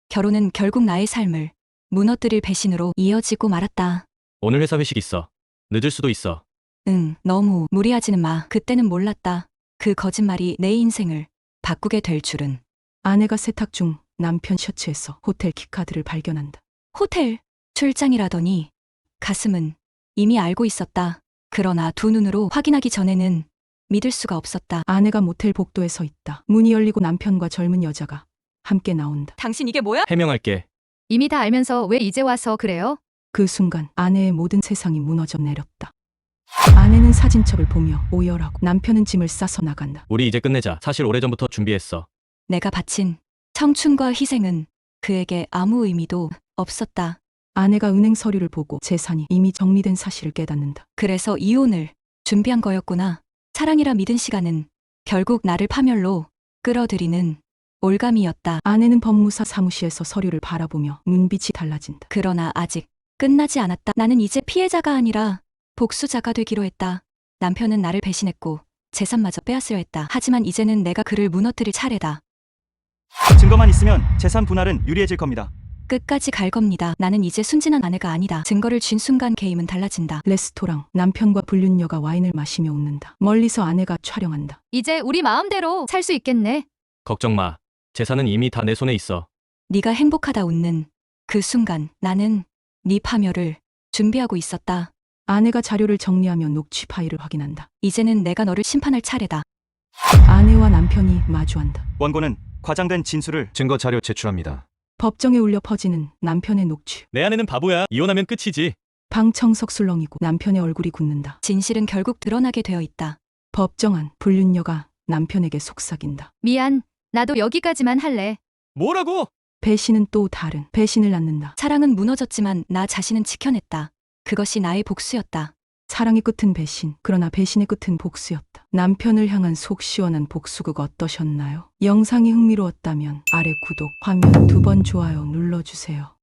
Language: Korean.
결혼은 결국 나의 삶을 무너뜨릴 배신으로 이어지고 말았다. 오늘 회사 회식 있어. 늦을 수도 있어. 응, 너무 무리하지는 마. 그때는 몰랐다. 그 거짓말이 내 인생을 바꾸게 될 줄은. 아내가 세탁 중 남편 셔츠에서 호텔 키카드를 발견한다. 호텔 출장이라더니 가슴은 이미 알고 있었다. 그러나 두 눈으로 확인하기 전에는 믿을 수가 없었다. 아내가 모텔 복도에 서 있다. 문이 열리고 남편과 젊은 여자가 함께 나온다. 당신 이게 뭐야? 해명할게. 이미 다 알면서 왜 이제 와서 그래요? 그 순간 아내의 모든 세상이 무너져 내렸다. 아내는 사진첩을 보며 오열하고 남편은 짐을 싸서 나간다. 우리 이제 끝내자. 사실 오래전부터 준비했어. 내가 바친 청춘과 희생은 그에게 아무 의미도 없었다. 아내가 은행 서류를 보고 재산이 이미 정리된 사실을 깨닫는다. 그래서 이혼을 준비한 거였구나. 사랑이라 믿은 시간은 결국 나를 파멸로 끌어들이는 올감이었다. 아내는 법무사 사무실에서 서류를 바라보며 눈빛이 달라진다. 그러나 아직 끝나지 않았다. 나는 이제 피해자가 아니라 복수자가 되기로 했다. 남편은 나를 배신했고 재산마저 빼앗으려 했다. 하지만 이제는 내가 그를 무너뜨릴 차례다. 증거만 있으면 재산 분할은 유리해질 겁니다. 끝까지 갈 겁니다. 나는 이제 순진한 아내가 아니다. 증거를 쥔 순간 게임은 달라진다. 레스토랑 남편과 불륜녀가 와인을 마시며 웃는다. 멀리서 아내가 촬영한다. 이제 우리 마음대로 살 수 있겠네. 걱정 마. 재산은 이미 다 내 손에 있어. 네가 행복하다 웃는 그 순간 나는 네 파멸을 준비하고 있었다. 아내가 자료를 정리하며 녹취 파일을 확인한다. 이제는 내가 너를 심판할 차례다. 아내와 남편이 마주한다. 원고는 과장된 진술을 증거 자료 제출합니다. 법정에 울려 퍼지는 남편의 녹취. 내 아내는 바보야. 이혼하면 끝이지. 방청석 술렁이고 남편의 얼굴이 굳는다. 진실은 결국 드러나게 되어 있다. 법정 안 불륜녀가 남편에게 속삭인다. 미안. 나도 여기까지만 할래. 뭐라고? 배신은 또 다른 배신을 낳는다. 사랑은 무너졌지만 나 자신은 지켜냈다. 그것이 나의 복수였다. 사랑의 끝은 배신, 그러나 배신의 끝은 복수였다. 남편을 향한 속 시원한 복수극 어떠셨나요? 영상이 흥미로웠다면 아래 구독, 화면 2번 좋아요 눌러주세요.